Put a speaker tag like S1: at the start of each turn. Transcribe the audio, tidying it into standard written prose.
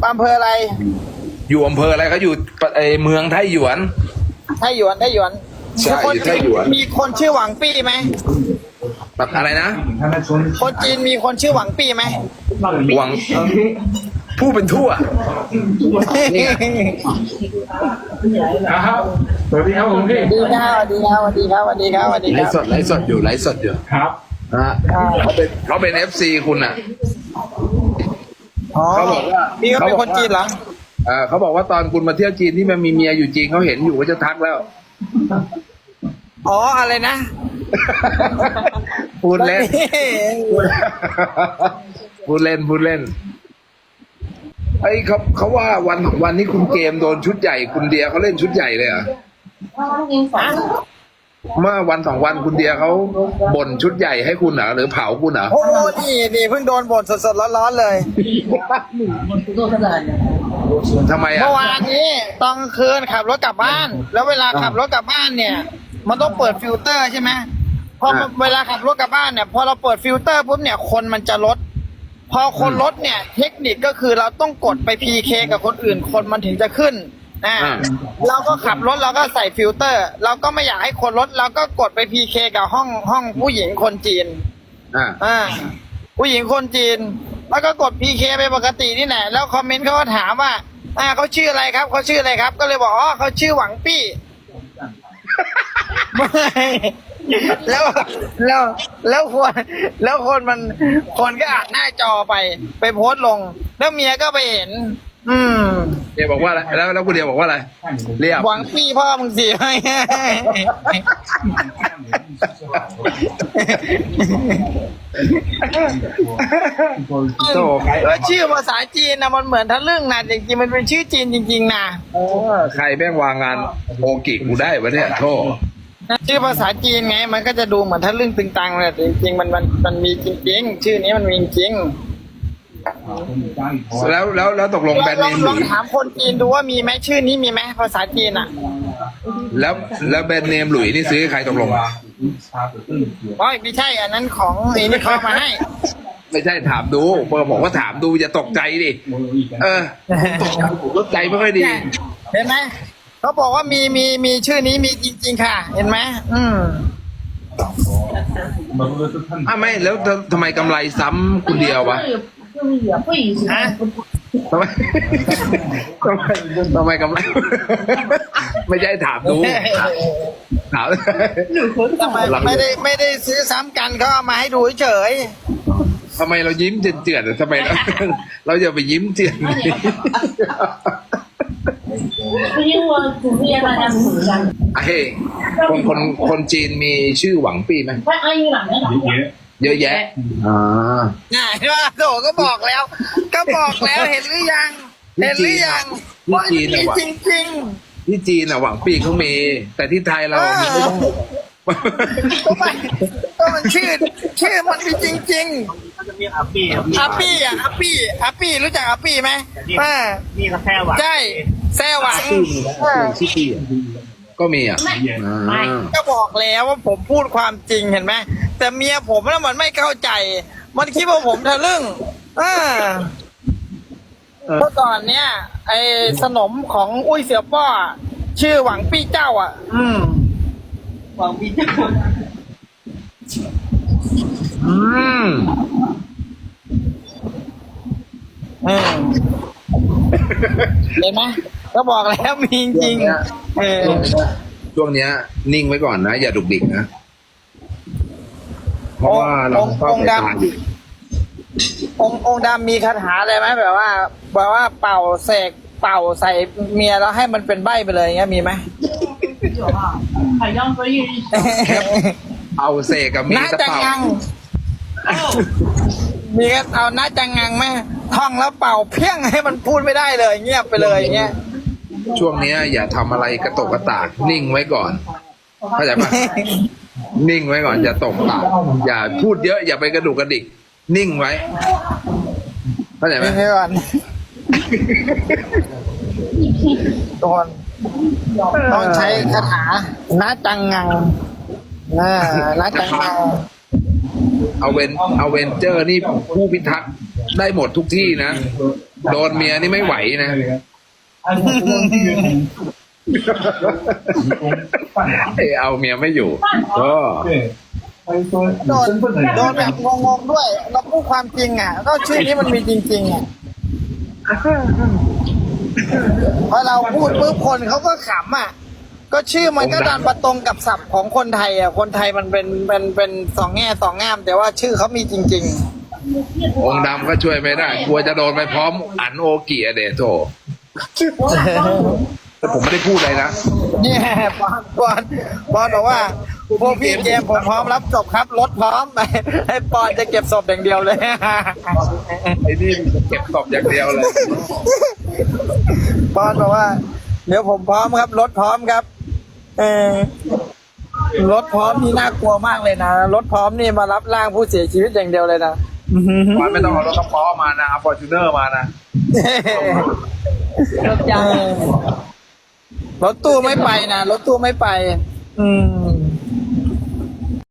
S1: อำเภออะไร
S2: อยู่อำเภออะไรเขาอยู่เมืองไทหยวน
S1: ไทหยวน
S2: ใช่
S1: มีคน
S2: อยู่ไทหยวน
S1: มีคนชื่อหวังปี้ไหม
S2: แบบอะไรนะ
S1: คนจีนมีคนชื่อหวังปี้ไหม
S2: หวังผู้เป็นทั่ว นี่ไง
S3: ครับสวัสดีครับผมพี่
S1: ดีครับสวัสดีครับสวัสดีครับสวัสดีครับสวัสดี
S2: ไล
S1: ครับ
S2: ฟ์สดไลฟ์สดอยู่ไลฟ์สดอยู่
S3: ครับ
S2: นะฮะเขาเป็น FC คุณอ่ะ
S1: อ๋อ
S2: เขาบอกว่า
S1: พี่ก็เป็นคนจีนเหรอ
S2: เขาบอกว่าตอนคุณมาเที่ยวจีนที่มันมีเมียอยู่จีนเขาเห็นอยู่ก็จะทักแล้ว
S1: อ๋ออะไรนะ
S2: พูดเล่น พูดเล่นไอ้เขาว่าวันนี้คุณเกมโดนชุดใหญ่คุณเดียเขาเล่นชุดใหญ่เลยเหรอเมื่อวัน2 วันคุณเดียเขาบ่นชุดใหญ่ให้คุณเหรอหรือเผาคุณเหรอ
S1: โอ้นี่เพิ่งโดนบ่นสดๆร้อนๆเลย
S2: ทำไมอ่ะ
S1: เมื่อวานนี้ตอนกลางคืนขับรถกลับบ้าน แล้วเวลาขับรถกลับบ้านเนี่ย มันต้องเปิดฟิลเตอร์ใช่ไหมพอเวลาขับรถกลับบ้านเนี่ยพอเราเปิดฟิลเตอร์ปุ๊บเนี่ยคนมันจะลด พอคนลดเนี่ยเทคนิคก็คือเราต้องกดไป PK กับคนอื่นคนมันถึงจะขึ้นเราก็ขับรถเราก็ใส่ฟิลเตอร์ เราก็ไม่อยากให้คนลดเราก็กดไป PK กับห้องผู้หญิงคนจีน ผู้หญิงคนจีน แล้วก็กด PK ไปปกตินี่แหละแล้วคอมเมนต์เขาก็ถามว่าเขาชื่ออะไรครับเขาชื่ออะไรครับ ก็เลยบอกอ๋อเขาชื่อหวังปี้ แล้วคนก็อ่านหน้าจอไปโพสต์ลง แล้วเมียก็ไปเห็น
S2: เดียบอกว่าอะไรแล้วคุณเดียบอกว่าอะไรเรียบ
S1: หวังปี้พ่อมึงสิ
S2: โตใคร
S1: แล้วชื่อภาษาจีนนะมันเหมือนทะลึ่งนะจริงๆมันเป็นชื่อจีนจริงๆนะ
S2: ใครแม่งวางงานโอกิกูได้วะเนี่ยโทษ
S1: ชื่อภาษาจีนไง มันก็จะดูเหมือนทะลึ่งตึงตังเลยแต่จริงๆมันมีจริงๆชื่อนี้มันมีจริง
S2: แล้วตกลงแบรนด์เนมห
S1: ล
S2: ลุ
S1: อง
S2: ย
S1: ถามคนจีนดูว่ามีไหมชื่อนี้มีไหมภาษาจีนอ่ะ
S2: แล้วแบรนด์เนมหลุยนี่ซื้อให้ใครตกลง
S1: อ๋อไม่ใช่อันนั้นของไอ้นี่เขามาให้
S2: ไม่ใช่ถามดูบอกว่าถามดูอย่าตกใจดิตกใจไม่ค่อยดี
S1: เห็นไหมเขาบอกว่ามีชื่อนี้มีจริงๆค่ะ เห็นไหม
S2: ไม่แล้วทำไมกำไรซ้ำคุณเดียววะทำไมกำไร ไม่ใช่ถามดูถาม
S1: ทำไมไม่ได้ซื้อซ้ำกันเขาเอามาให้ดูเฉย
S2: ทำไมเรายิ้มเจือนๆทำไมเราอย่าไปยิ้มเจือน
S4: 因为我主持人大家不一样，
S2: เฮ้ยคนจีนมีชื่อหวังปี้ไหม
S4: 他安于朗的朗，
S2: เยอะแยะ
S1: ง่ายว่าโถก็บอกแล้วเห็นหรือยังว่ามีจริง
S2: ที่จีนอ่ะหวังปี้เขามี แต่ที่ไทยเรามีไม่ได้
S1: ๆก็มันชื่อมันมีจริงๆ
S5: ก็จะมีอาปี้
S1: อาปี้รู้จักอาปี้ไหม
S5: นี่ก็แค่หวัง
S1: ใช่แซ่หวัง
S2: ชื่อปี้ก็มีอ่ะ
S1: ก็บอกแล้วว่าผมพูดความจริงเห็นไหมแต่เมียผมน่ะมันไม่เข้าใจ มันคิดว่าผมทะลึ่งเมื่อก่อนเนี่ยไอ้สนมของอุ้ยเสี่ยวป้อชื่อหวังปี้เจ้าหวังปี้เจ้าเห็นไหมก็บอกแล้วมีจริง
S2: ช่วงเนี้ยนิ่งไว้ก่อนนะ อย่าดุกดิกนะ เพราะว่าเราต้องตาย
S1: องค์ดำมีคาถาอะไรไหมแบบว่าเป่าเสกเป่าใส่เมียแล้วให้มันเป็นใบ้ไปเลยอย่างเงี้ยมีไหม
S4: 有啊，海洋飞鱼，
S2: เอาเสกกับมี
S1: น่า
S2: ตะ
S1: จะ
S2: เป่า
S1: งังมีก็เอาน่าจะงังไหมท่องแล้วเป่าเพี้ยงให้มันพูดไม่ได้เลยเงียบไปเลยอย่างเงี้ย
S2: ช่วงเนี้ยอย่าทำอะไรกระตกกระตากนิ่งไว้ก่อนเข้าใจปะนิ่งไว้ก่อนอย่าตกปากอย่าพูดเยอะอย่าไปกระดุกกระดิกนิ่งไว้เข้าใจไหม
S1: ไม่ก่อนทุกคนต้องใช้คาถานาจังงังนาจังงัง
S2: เอาเวนเจอร์นี่ผู้พิทักษ์ได้หมดทุกที่นะโดนเมียนี่ไม่ไหวนะเอาเมียไม่อยู่ก็
S1: โดนแบบงงๆด้วยเราพูดความจริงอ่ะก็ชื่อนี้มันมีจริงๆอ่ะพอเราพูดปุ๊บคนเขาก็ขำอ่ะก็ชื่อมันก็ดันมาตรงกับศัพท์ของคนไทยอ่ะคนไทยมันเป็นสองแง่สองงาม แต่ว่าชื่อเขามีจริงๆ
S2: องค์ดำก็ช่วยไม่ได้กลัวจะโดนไปพร้อมอันโอกิอะเดโถแต่ผมไม่ได้พูดอะไรนะ
S1: เนี่ยปอนบอกว่าพวกพี่เกมผมพร้อมรับศพครับรถพร้อมไปให้ปอนจะเก็บศพอย่างเดียวเลย
S2: ไอ้นี่เก็บศพอย่างเดียวเลย
S1: ปอนบอกว่า เดี๋ยวผมพร้อมครับรถพร้อมครับรถพร้อมนี่น่ากลัวมากเลยนะรถพร้อมนี่มารับร่างผู้เสียชีวิตอย่างเดียวเลยนะ
S2: วันไม่ต้องเอารถกระป๋อมานะเอาฟอร์จูเนอร์มานะ
S1: รถตู้ไม่ไปนะรถตู้ไม่ไป อืม